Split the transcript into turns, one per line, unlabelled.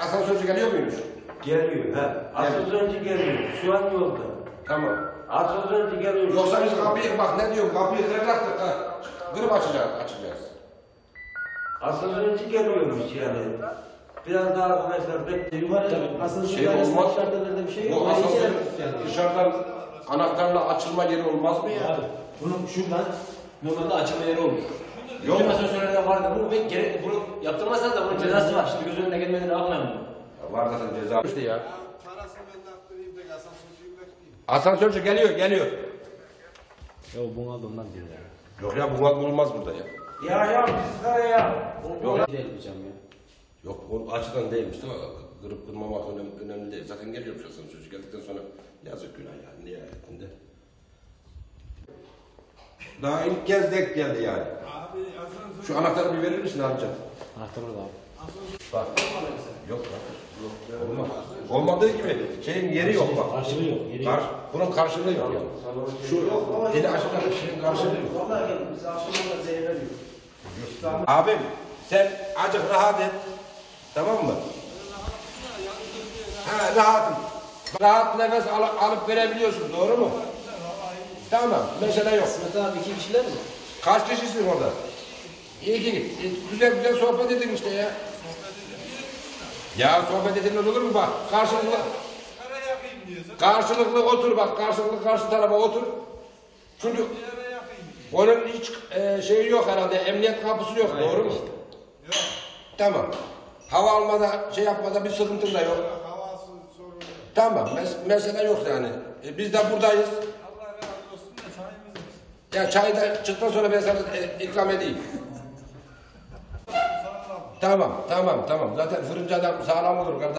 asansörcü geliyor muymuş?
Geliyor he. Asansörcü geliyor. Şu an yolda.
Tamam.
Asansörcü geliyor.
Yoksa biz kapıyı bak ne diyorum kapıyı kıracaktık ha. Kırıp açacağız.
Asansörcü geliyormuş yani. Biraz daha arkadaşlar bekleyin.
Şey olmaz. Bu asansör dışarıdan anahtarla açılma yeri olmaz mı ya?
Abi, bunun şuradan normalde açılma yeri olur.
Yok.
Bütün asansörlerde vardı. Bunu yaptırmazsanız da bunun cezası var. Şimdi göz önüne gelmeden ne yapmayalım bunu?
Var zaten ceza işte ya.
Parasını ben de attırayım da asansörcüyü bekleyeyim.
Asansörcü geliyor.
Ya bunu aldı ondan diyor ya.
Yok ya bu bulunmaz burada ya.
Ya biz ya.
Yok.
Ne yapacağım ya?
Yok o açıdan değilmiş değil mi? Kırıp kırmamak önemli değil. Zaten geliyormuş asansörcü geldikten sonra yazık günah yani nihayetinde. Daha ilk kez denk geldi yani.
Abi asansör...
Şu anahtarı bir verir misin amca?
Anahtar orada abi.
Bak. Yok bak. Olmaz. Olmadığı gibi şeyin yeri yok bak.
Karşılığı yok. Yeri yok.
Bunun karşılığı yok yani. Şu dili açacak şeyin karşılığı yok.
Vallahi geldim. Biz akşamdan da zehir veriyor.
Abim sen acık rahat et. Tamam mı? Ha rahatım. Rahat nefes alıp verebiliyorsun doğru mu? Tamam mesele yok.
Sımet abi 2 kişiler mi?
Kaç kişisin orada? İyi. Güzel sohbet edin işte ya. Ya sohbet edilmez olur mu bak? Karşılıklı
Kara yakayım diyorsun.
karşılıklı otur bak. Karşı tarafa otur. Çünkü
Kara yakayım.
onun hiç şeyi yok herhalde. Emniyet kapısı yok doğru mu?
Yok.
Tamam. Hava almada şey yapmada bir sıkıntın da yok.
Havası sorunu yok.
Tamam mesele yok yani. Biz de buradayız.
Allah razı olsun da çayımız mı?
Ya çayı da çıktıktan sonra ben sana ikram edeyim.
Sağ ol.
Tamam. Zaten fırıncı adam sağlam olur kardeşim.